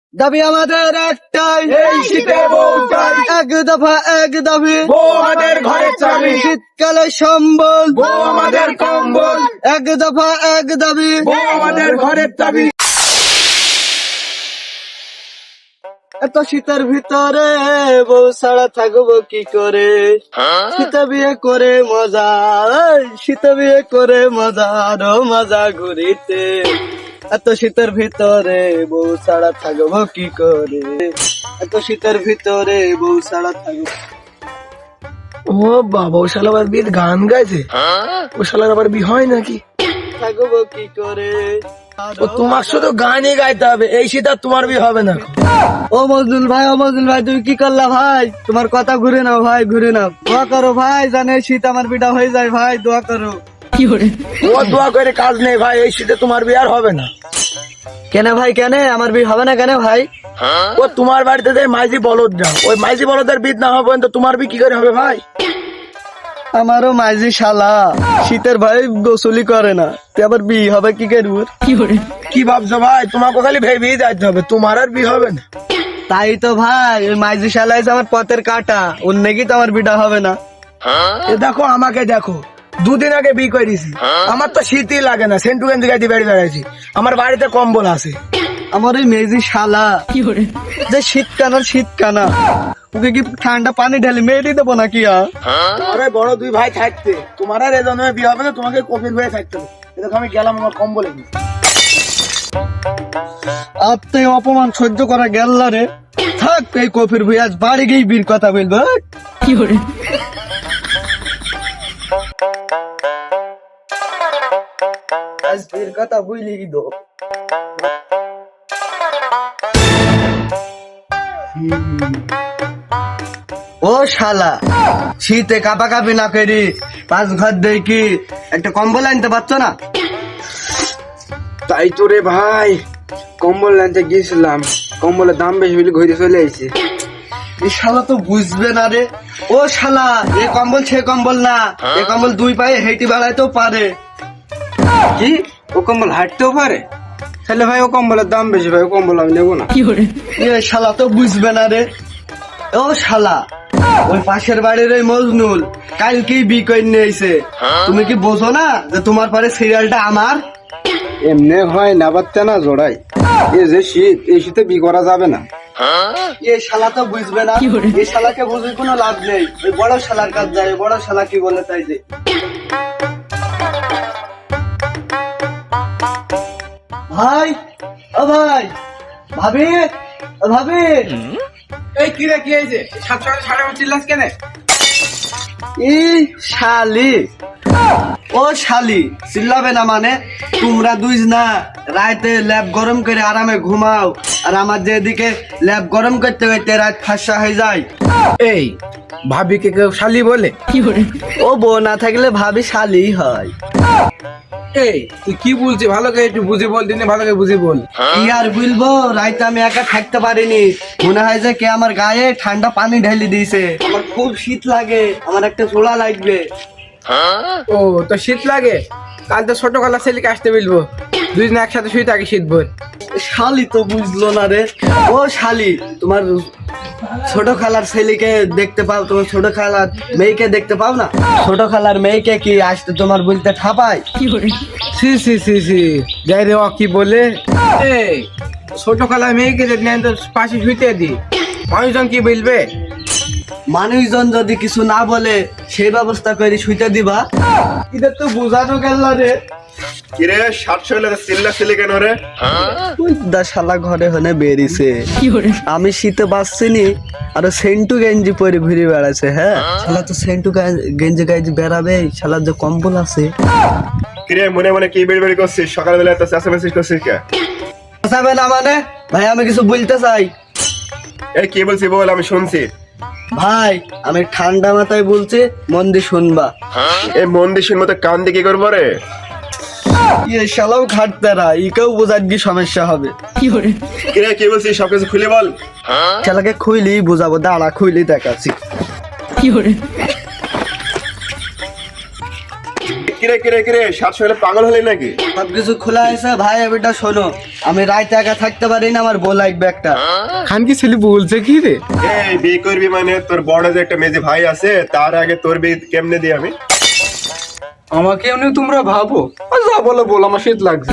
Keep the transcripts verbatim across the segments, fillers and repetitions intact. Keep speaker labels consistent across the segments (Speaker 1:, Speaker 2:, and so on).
Speaker 1: দাবি আমাদের একটাই,
Speaker 2: এই শীতে বউ চাই,
Speaker 1: এক দফা এক দাবি,
Speaker 2: বউ আমাদের ঘরের চাবি,
Speaker 1: শীতকালে সম্বল,
Speaker 2: বউ আমাদের কম্বল,
Speaker 1: এক দফা এক দাবি।
Speaker 2: বউ আমাদের ঘরের চাবি।
Speaker 1: এত শীতের ভিতরে বউ ছাড়া থাকবো কি করে, শীতে বিয়ে করে মজা, এই শীতে বিয়ে করে মজা, আরো মজা ঘুরিতে। এত শীতের ভিতরে বউ ছাড়া থাকবো কি করে, এত শীতের ভিতরে বউ ছাড়া থাকবো।
Speaker 2: ও বাবা, ও শালা আবার বিয়ের গান গাইছে। ও শালার আবার বিয়ে হয় নাকি?
Speaker 1: থাকবো কি করে।
Speaker 2: ও তোমার শুধু গানই গাইতে হবে, এই শীত আর তোমার বিয়ে হবে না।
Speaker 1: ও মজদুল ভাই, ও মজদুল ভাই, তুমি কি করলা ভাই? তোমার কথা ঘুরে নাও ভাই, ঘুরে নাও। দোয়া করো ভাই, জানে শীত আমার বিটা হয়ে যায় ভাই, দোয়া করো।
Speaker 2: ও দোয়া করে কাজ নেই ভাই, এই শীতে তোমার বিয়ে আর হবে না।
Speaker 1: কেন ভাই, কেন আমার বিয়ে হবে না কেন ভাই?
Speaker 2: ও তোমার বাড়িতে যে মাইজি বলদ যাও, ওই মাইজি বলদের বিয়ে না হবে তো তোমার বিয়ে কি করে হবে ভাই?
Speaker 1: আমারও মাইজি শালা শীতের ভাই গোসলি করে না, তুই আবার বিয়ে হবে কি করবো?
Speaker 2: কি ভাবছো ভাই? তোমাকে খালি ভেবেই যাইতে হবে, তোমার আর বিয়ে হবে না।
Speaker 1: তাই তো ভাই, ওই মাইজি শালা এসে আমার পথের কাটা, ওর নাকি তো আমার বিটা হবে না।
Speaker 2: এ দেখো আমাকে দেখো, দুদিন আগে বিয়ে করেছি, আমার তো শীতই লাগে না, সেন্টু গেঞ্জি গাইতে বেড়ে বেড়াইছি, আমার বাড়িতে কম্বল আছে।
Speaker 1: আমার ওই মেজি শালা যে শীত কানা শীত কানা, ওকে কি ঠান্ডা পানি ঢেলে মেরে দেবো নাকি?
Speaker 2: আরে বড় দুই ভাই থাকতে তোমার আর এজন্য বিয়ে হবে না, তোমাকে কপির হয়ে থাকতে হবে। এ দেখো আমি গেলাম আমার কম্বলে।
Speaker 1: আপনি অপমান সহ্য করা গেল না রে, থাক এই কফির ভাই, আজ বাড়ি গিয়ে বীর কথা বলবো। কি করে আজ বীর কথা বুঝলি দো। ও শালা, শীতে কাপা কাপি না করি পাঁচ ঘর দেই কি একটা কম্বল আনতে পারছো না?
Speaker 3: তাই তো রে ভাই, কম্বল আনতে গিয়েছিলাম, কম্বলের দাম বেশি বলে ঘুরে চলে আইছে।
Speaker 1: এই শালা তো বুঝবে না রে। ও শালা, এ কম্বল সে কম্বল না, এ কম্বল দুই পায়ে হেঁটে বেড়াইতেও পারে।
Speaker 3: কি ও কম্বল হাঁটতেও পারে? তাহলে ভাই ও কম্বলের দাম বেশি, ভাই ও কম্বল আমি নেবো না।
Speaker 1: এ শালা তো বুঝবে না রে। ও শালা, ওই পাশের বাড়ির ওই মজনুল কালকেই বি করে নিয়ে এসে, তুমি কি বোঝো না যে তোমার পরে সিরিয়ালটা আমার?
Speaker 3: এমনি হয় না বাচ্চা না জোড়াই, এ যে শীত, এই শীতে বি করা যাবে না।
Speaker 1: এ শালা তো বুঝবে না, এই শালাকে বুঝে কোনো লাভ নেই। ওই বড় শালার কাজ যায়, বড় শালা কি বলে তাই যে। ভাই, ও ভাই, ভাবি, ও ভাবি।
Speaker 3: এই কি রে, কি হয়েছে? সাত সকালে সাড়ে পাঁচ চিল্লাস কেন?
Speaker 1: ই শালি, ও শালি চিল্লাবে না মানে? তোমরা দুই না রাতে ল্যাব গরম করে আরামে ঘুমাও, আর আমার যে এদিকে ল্যাব গরম করতে করতে রাত ফাঁসা হয়ে যায়।
Speaker 2: এই ভাবিকে কেউ শালি বলে?
Speaker 1: ও বউ না থাকলে ভাবি শালি হয়।
Speaker 2: এই তুই কি বলছিস? ভালো করে একটু বুঝে বল, দিনে ভালো করে বুঝে বল।
Speaker 1: কি আর বলবো, রাইতে আমি একা থাকতে পারিনি, মনে হয় যে কে আমার গায়ে ঠান্ডা পানি ঢেলে দিয়েছে। আমার খুব শীত লাগে, আমার একটা ঝোলা লাগবে।
Speaker 2: ও তো শীত লাগে, কাল তো ছোট খালা ছেলেকে আসতে বলবো, দুই দিন একসাথে শুয়ে থাকি শীত ভর।
Speaker 1: শালি তো বুঝলো না রে। ও শালি, তোমার ছোট খালার ছেলেকে দেখতে পাও, তোমার ছোট খালার মেয়েকে দেখতে পাও না? ছোট খালার মেয়েকে কি আসতে তোমার বলতে ঠাপায়?
Speaker 2: সি সি সি সি যাই রে, ও কি বলে? এই ছোট খালা মেয়েকে যদি নেন তো পাশে শুইতে দি, মানুষজন কি বলবে?
Speaker 1: মানুষজন যদি কিছু না বলে সেই ব্যবস্থা করে শুইতে দিবা। এটা তো বোঝানো গেল রে।
Speaker 4: কিরে ষাট শৈলে চিল্লা চিল্লি কেন রে?
Speaker 1: ওই দা শালা ঘরে হনে বেরিয়েছে, আমি শীতে বাঁচছিনি আর সেন্টু গেঞ্জি পরে ঘুরে বেড়াচ্ছে। হ্যাঁ শালা তো সেন্টু গেঞ্জি গাইজি বেড়াবে, শালার যে কম্বল আছে।
Speaker 4: কিরে মনে মনে কি বেড়ি বেড়ি করছিস? সকালবেলা এত চেঁচামেচি করছিস কে?
Speaker 1: বাঁচাবে না মানে? ভাই আমি কিছু বলতে চাই।
Speaker 4: এই কি বলছি বল, আমি শুনছি।
Speaker 1: ভাই আমি ঠান্ডা মাথায় বলছি, মন দিয়ে শুনবা।
Speaker 4: এই মন্দির মতো কান দিয়ে কি করবো রে?
Speaker 1: ইয়ে শালাও খাটতারা, ইকেও বোঝার কি সমস্যা হবে।
Speaker 4: কিরে কি বলছিস সবকিছু খুলে বল।
Speaker 1: শালাকে খুইলি বুঝাবো, দাঁড়া খুইলি দেখাচ্ছি।
Speaker 4: কিরে কিরে কিরে কিরে সাত সকালে পাগল হলে নাকি?
Speaker 1: সবকিছু খোলা হয়েছে ভাই, এবারটা শোনো, আমি রাইতে একা থাকতে পারি না, আমার বউ লাগবে একটা।
Speaker 2: খান কি ছেলে বলছে কি রে?
Speaker 4: এই বিয়ে করবি মানে তোর বড় যে একটা মেজে ভাই আছে তার আগে তোর বিয়ে কেমনে দিই আমি?
Speaker 3: আমাকে এমনি তোমরা ভাবো, আর যা বলো বল, আমার শীত লাগছে।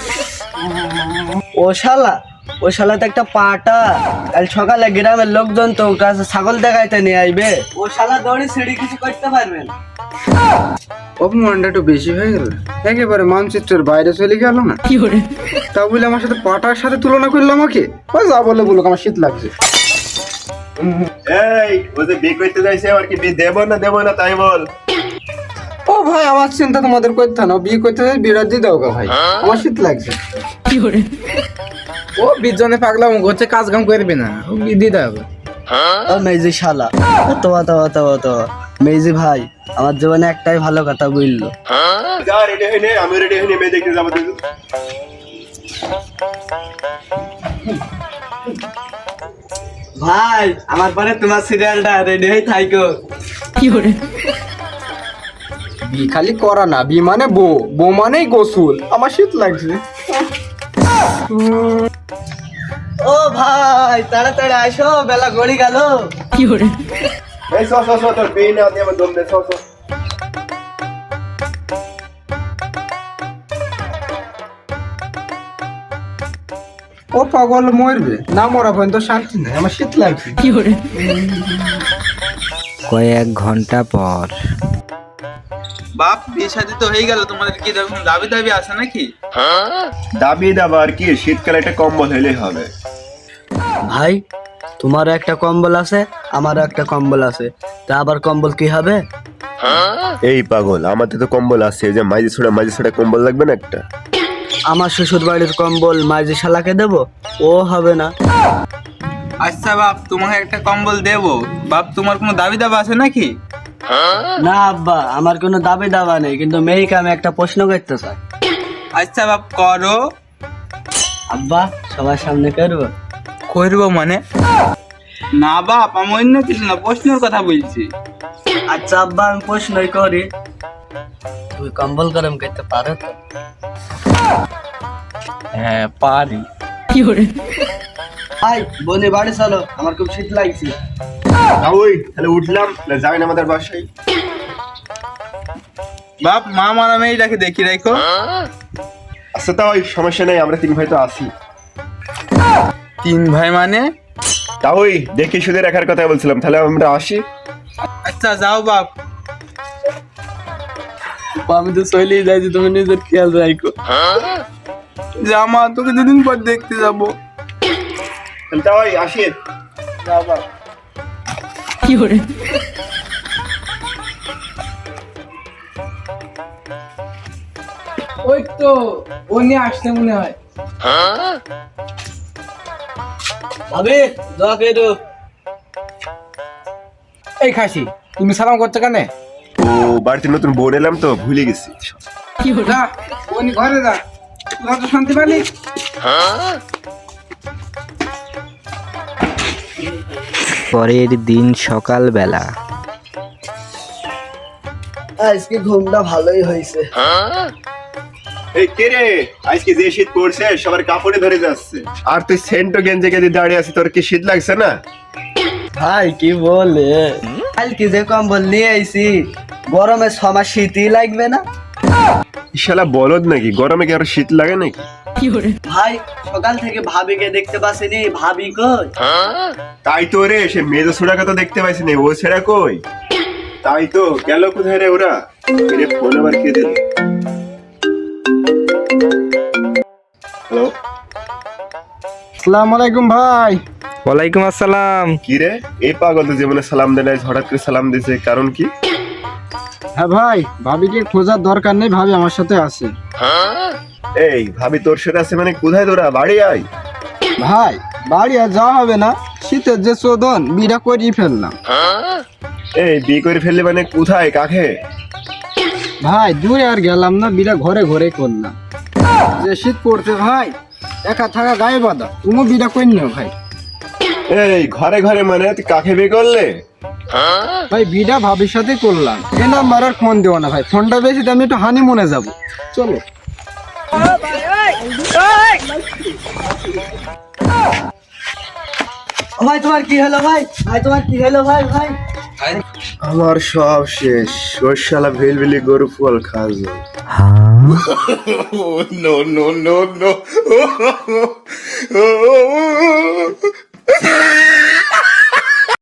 Speaker 1: ও শালা, ও শালা তো একটা পাটা, কাল সকালে গ্রামের লোকজন তো ওর কাছে ছাগল দেখাইতে নিয়ে আইবে, ও শালা দড়ি সিঁড়ি কিছু করতে পারবে না।
Speaker 3: অপমানটা একটু বেশি হয়ে গেল, একেবারে মানচিত্রের বাইরে চলে গেল না। তা বলে আমার সাথে পাটার সাথে তুলনা করলো আমাকে, ও যা বলে বলুক, আমার শীত লাগছে।
Speaker 4: এই ও যে বিয়ে করতে যাইছে আর কি বিয়ে দেবো না দেবো না তাই বল।
Speaker 3: ও ভাই, আমার চিন্তা তোমাদের করতে না, বিয়ে করতে যাই বিরাট দিয়ে দাও গা ভাই, আমার শীত লাগছে।
Speaker 2: ও বিজনে পাগলাম করছে, কাজ কাম করবে না, ও বিয়ে দাও।
Speaker 1: ও মেজি শালা, তো তো তো তো মেজি ভাই, আমার জীবনে একটাই ভালো কথা বললো।
Speaker 4: যা রেডি হইনে, আমি রেডি হইনে মেয়ে দেখতে যাবো তুই।
Speaker 1: ভাই আমার পরে তোমার সিরিয়ালটা রেডি হয়ে থাইকো।
Speaker 3: বি খালি করা না, বি মানে বউ, বউ মানেই গোসল, আমার শীত লাগছে।
Speaker 1: ও ভাই তাড়াতাড়ি আসো, বেলা গড়ি গেল।
Speaker 4: এই স স স তোর বিয়ে না দিয়ে আমার দম দে স স।
Speaker 3: ও পাগল মরবে না, মরা পর্যন্ত শান্তি নাই, আমার শীত লাগছে।
Speaker 5: কয়েক ঘন্টা পর
Speaker 6: বাপ বিয়ে শাদী তো হয়ে গেল, তোমাদের কি এরকম দাবি দাবি আছে নাকি?
Speaker 4: দাবি দাবা আর কি, শীতকালে একটা কম্বল হইলেই হবে।
Speaker 1: ভাই তোমারও একটা কম্বল আছে, আমারও একটা কম্বল আছে, তা আবার কম্বল কি হবে?
Speaker 4: এই পাগল, আমাদের তো কম্বল আছে, এই যে মাঝি ছোড়া মাঝি ছোড়া কম্বল লাগবে না একটা?
Speaker 1: আমার শ্বশুর বাড়ির কম্বল মাঝি শালাকে দেবো, ও হবে না।
Speaker 6: আচ্ছা বাপ, তোমাকে একটা কম্বল দেবো, বাপ তোমার কোনো দাবি দাবা আছে নাকি?
Speaker 1: না আব্বা, আমার কোনো দাবি দাবা নেই, কিন্তু মেয়েকে আমি একটা প্রশ্ন করতে চাই।
Speaker 6: আচ্ছা বাপ করো।
Speaker 1: আব্বা সবার সামনে করবো?
Speaker 6: করবো মানে? না বাপ, আমি অন্য কিছু না, প্রশ্নের কথা বলছি।
Speaker 1: আচ্ছা আব্বা আমি প্রশ্নই করি, তুমি কম্বল গরম করতে পারো তো?
Speaker 6: হ্যাঁ পারি।
Speaker 1: ভাই বনি বাড়ি চলো, আমার খুব শীত লাগছে।
Speaker 4: না ওই তাহলে উঠলাম, তাহলে যাই না আমাদের বাসায়।
Speaker 6: বাপ মা মারা মেয়েটাকে দেখি রাখো।
Speaker 4: আচ্ছা তা ওই সমস্যা নেই, আমরা তিন ভাই তো আছি।
Speaker 6: তিন ভাই মানে?
Speaker 4: তা ওই দেখি শুধু রাখার কথা বলছিলাম, তাহলে আমরা আসি।
Speaker 6: আচ্ছা যাও বাপ।
Speaker 1: আমি তো চলেই যাইছি, তুমি নিজের খেয়াল রাখো।
Speaker 6: জামা তোকে দুদিন পর দেখতে যাবো।
Speaker 4: তাহলে তা ওই আসি।
Speaker 6: যাও বাপ।
Speaker 2: ওই তো ও নিয়ে আসতে মনে হয়।
Speaker 1: ভাবি যা কেটো।
Speaker 2: এই খাসি, তুমি সালাম করছো কেন?
Speaker 4: ও বাড়িতে নতুন বোন এলাম তো ভুলে গেছি।
Speaker 2: যা, ও নি ঘরে যা, তোরা তো শান্তি পালি।
Speaker 5: পরের দিন সকালবেলা
Speaker 1: আজকে ঘুমটা ভালোই হয়েছে।
Speaker 4: এই কে রে, আজকে যে শীত পড়ছে সবার কাপড়ে ধরে যাচ্ছে, আর তুই সেন্টো গেঞ্জে গেঞ্জে দাঁড়িয়ে আছিস, তোর কি শীত লাগছে না?
Speaker 1: ভাই কি বলে, কালকে যে কম্বল নিয়ে আইছি, গরমে ছমাস শীতই লাগবে না।
Speaker 4: শালা বলদ নাকি, গরমে কি আর শীত লাগে নাকি?
Speaker 1: ভাই সকাল থেকে ভাবিকে দেখতে পাচ্ছিনি, ভাবি কই?
Speaker 4: তাই তো রে, সে মেজো ছোড়াকে তো দেখতে পাইছি না, ও ছেড়া কই? তাই তো গেল কোথায় রে ওরা? রে ফোন আবার কে দিল? হ্যালো,
Speaker 3: আসসালামু আলাইকুম ভাই।
Speaker 5: ওয়ালাইকুম আসসালাম।
Speaker 4: কি রে এই পাগল তো জীবনে সালাম দেয় নাই, হঠাৎ করে সালাম দিছে, কারণ কি?
Speaker 3: হ্যাঁ ভাই, ভাবিকে খোঁজার দরকার নেই, ভাবি আমার সাথে আছে।
Speaker 4: এই ভাবি তোর সাথে আছে মানে কোথায় তোরা? বাড়ি আয়।
Speaker 3: ভাই বাড়ি আর যাওয়া হবে না, শীতের যে চোদন, বিড়া করিয়ে ফেললাম।
Speaker 4: এই বিয়ে করে ফেললে মানে কোথায়, কাকে?
Speaker 3: ভাই দূরে আর গেলাম না, বিড়া ঘরে ঘরে করলাম। যে শীত পড়ছে ভাই, একা থাকা গায়ে বাঁধা, তুমি বিড়া করে নিও ভাই।
Speaker 4: এই ঘরে ঘরে মানে তুই কাকে বিয়ে করলে?
Speaker 3: ভাই বিটা ভাবির সাথে করলাম, এ নাম্বার আর ফোন দেবো না ভাই, ফোনটা বেশি দামি, একটু হানিমুনে যাবো, চলো।
Speaker 1: ও ভাই তোমার কি হলো ভাই? ভাই তোমার কি হলো ভাই? ভাই
Speaker 4: আমার সব শেষ, ওর শালা ভেলভেলি গরু ফল খাওয়া। No no no no